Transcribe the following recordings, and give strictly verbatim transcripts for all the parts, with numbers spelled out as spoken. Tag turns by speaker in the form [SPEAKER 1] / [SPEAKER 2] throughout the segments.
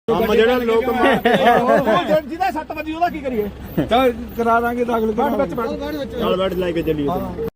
[SPEAKER 1] ਕੰਮ ਜਿਹੜਾ ਲੋਕ
[SPEAKER 2] ਜਿਹਦਾ ਸੱਟ ਵੱਜੀ ਉਹਦਾ ਕੀ ਕਰੀਏ?
[SPEAKER 3] ਚੱਲ ਕਰਾ ਦਾਂਗੇ ਦਾਖਲ
[SPEAKER 2] ਬੈਠ ਵਿੱਚ ਬੈਠ
[SPEAKER 1] ਨਾਲ ਬੈਠ ਲੈ ਕੇ ਚੱਲੀਏ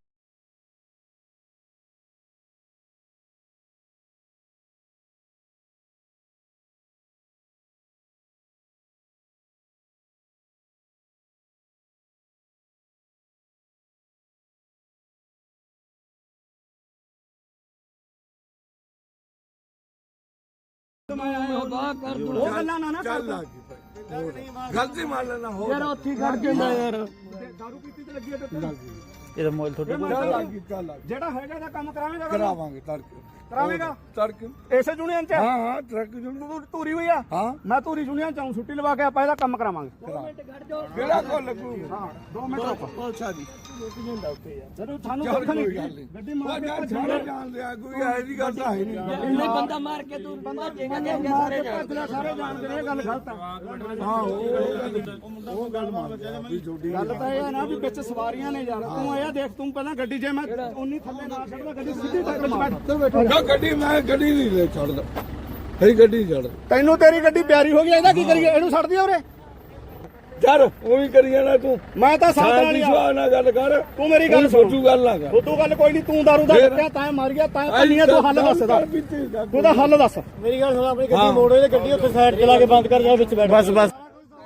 [SPEAKER 2] ਉਹ ਗੱਲਾਂ ਨਾ ਨਾ ਕਰ
[SPEAKER 3] ਗਲਤੀ ਮੰਨ ਲੈਣਾ ਹੋ
[SPEAKER 2] ਯਾਰ ਉੱਥੇ ਖੜ ਜਾਂਦਾ ਯਾਰ ਦਾਰੂ ਪੀਤੀ ਤੇ ਲੱਗੀ ਹੈ ਤੇ
[SPEAKER 4] ਇਹਦਾ ਮੋਬਾਈਲ ਤੁਹਾਡੇ ਕੋਲ
[SPEAKER 3] ਚੱਲ ਲੱਗੀ ਚੱਲ ਲੱਗੀ
[SPEAKER 2] ਜਿਹੜਾ ਹੈਗਾ ਦਾ ਕੰਮ ਕਰਾਵੇਂਗਾ
[SPEAKER 3] ਕਰਾਵਾਂਗੇ ਤੜਕੇ
[SPEAKER 2] ਕਰਾਵੇਂਗਾ
[SPEAKER 3] ਤੜਕੇ
[SPEAKER 2] ਇਸੇ ਯੂਨੀਅਨ ਚ
[SPEAKER 3] ਹਾਂ ਹਾਂ ਟਰੱਕ ਜੁੜ
[SPEAKER 2] ਤੂੰ ਧੂਰੀ ਹੋਈ ਆ
[SPEAKER 3] ਹਾਂ
[SPEAKER 2] ਮੈਂ ਧੂਰੀ ਯੂਨੀਅਨ ਚ ਆਉਂ ਛੁੱਟੀ ਲਵਾ ਕੇ ਆਪਾਂ ਇਹਦਾ ਕੰਮ ਕਰਾਵਾਂਗੇ
[SPEAKER 3] ਕਿਹੜਾ ਕੋ ਲੱਗੂ
[SPEAKER 2] ਹਾਂ ਦੋ ਮਿੰਟ ਰੁਕ
[SPEAKER 3] ਪੁਲਸਾ ਦੀ
[SPEAKER 2] ਜਦੋਂ ਸਾਨੂੰ
[SPEAKER 3] ਚੱਲ
[SPEAKER 2] ਦੁੱਖ
[SPEAKER 3] ਕੋਈ
[SPEAKER 2] ਨਹੀਂ
[SPEAKER 3] ਗੱਲ ਨਹੀਂ
[SPEAKER 2] ਗੱਡੀ ਮਾਰ ਕੇ
[SPEAKER 3] ਉਹ ਸਾਰੇ ਜਾਣਦੇ ਆ ਕੋਈ ਐ ਦੀ ਗੱਲ ਤਾਂ ਹੈ ਨਹੀਂ
[SPEAKER 4] ਇੰਨੇ ਬੰਦਾ ਮਾਰ ਕੇ ਤੂੰ ਬੰਦਾ ਜੇਗਾ ਕਿ
[SPEAKER 2] ਸਾਰੇ ਭੱਜਣਾ ਸਾਰੇ ਜਾਣਦੇ ਨੇ ਇਹ ਗੱਲ ਗਲਤ ਆ
[SPEAKER 3] ਹਾਂ ਉਹ ਉਹ ਗੱਲ ਮੰਨਦੇ ਆ ਵੀ ਛੋਟੀ
[SPEAKER 2] ਗੱਲ ਤਾਂ ਇਹ ਆ ਨਾ ਵੀ ਵਿੱਚ ਸਵਾਰੀਆਂ ਨੇ ਯਾਰ ਤੂੰ ਇਹ ਦੇਖ ਤੂੰ ਪਹਿਲਾਂ ਗੱਡੀ ਜੇ ਮੈਂ ਉਨੀ ਥੱਲੇ ਨਾ ਛੱਡਦਾ ਗੱਡੀ ਸਿੱਧੀ ਟੱਕਰ ਮਾਰ
[SPEAKER 3] ਨਾ ਗੱਡੀ ਮੈਂ ਗੱਡੀ ਨਹੀਂ ਲੈ ਛੱਡਦਾ ਹੈ ਗੱਡੀ ਛੱਡ
[SPEAKER 2] ਤੈਨੂੰ ਤੇਰੀ ਗੱਡੀ ਪਿਆਰੀ ਹੋ ਗਈ ਇਹਦਾ ਕੀ ਕਰੀਏ ਇਹਨੂੰ ਛੱਡ ਦਿਓ ਉਰੇ
[SPEAKER 3] ਯਾਰ ਉਹ ਵੀ ਕਰੀ ਜਾਣਾ ਤੂੰ
[SPEAKER 2] ਮੈਂ ਤਾਂ ਸਾਥ
[SPEAKER 3] ਸਾਡੀ
[SPEAKER 2] ਵਾਲੀ ਆ
[SPEAKER 3] ਸੁਭਾਅ ਨਾਲ ਗੱਲ ਕਰ
[SPEAKER 2] ਤੂੰ ਮੇਰੀ ਗੱਲ ਸੁਣ
[SPEAKER 3] ਸੋਚੂ ਗੱਲ ਨਾ ਕਰ
[SPEAKER 2] ਉਦੋਂ ਗੱਲ ਕੋਈ ਨਹੀਂ ਤੂੰ ਦਾਰੂ ਦਾ ਕੱਟਿਆ ਤਾਂ ਮਾਰ ਗਿਆ ਤਾਂ ਕੰਨੀਆਂ ਤੂੰ ਹੱਲ ਦੱਸ ਦਾ ਤੂੰ ਦਾ ਹੱਲ ਦੱਸ
[SPEAKER 1] ਮੇਰੀ ਗੱਲ ਸੁਣ ਆਪਣੀ ਗੱਡੀ ਮੋੜੋ ਤੇ ਗੱਡੀ ਉੱਥੇ ਸਾਈਡ ਚਲਾ ਕੇ ਬੰਦ ਕਰ ਜਾ ਵਿੱਚ ਬੈਠ ਬਸ ਬਸ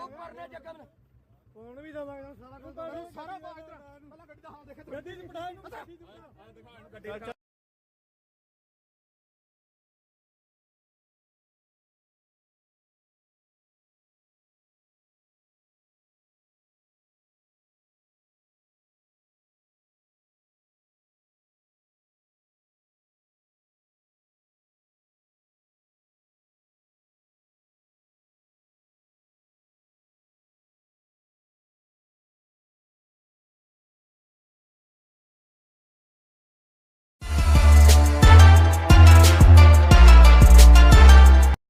[SPEAKER 1] ਫੋਨ ਵੀ ਦਵਾਂਗਾ ਸਾਰਾ ਕੁਝ ਸਾਰਾ ਬਾਹਰ ਪਹਿਲਾਂ ਗੱਡੀ ਦਾ ਹਾਲ ਦੇਖੇ ਗੱਡੀ ਚ ਬਿਠਾ ਇਹਨੂੰ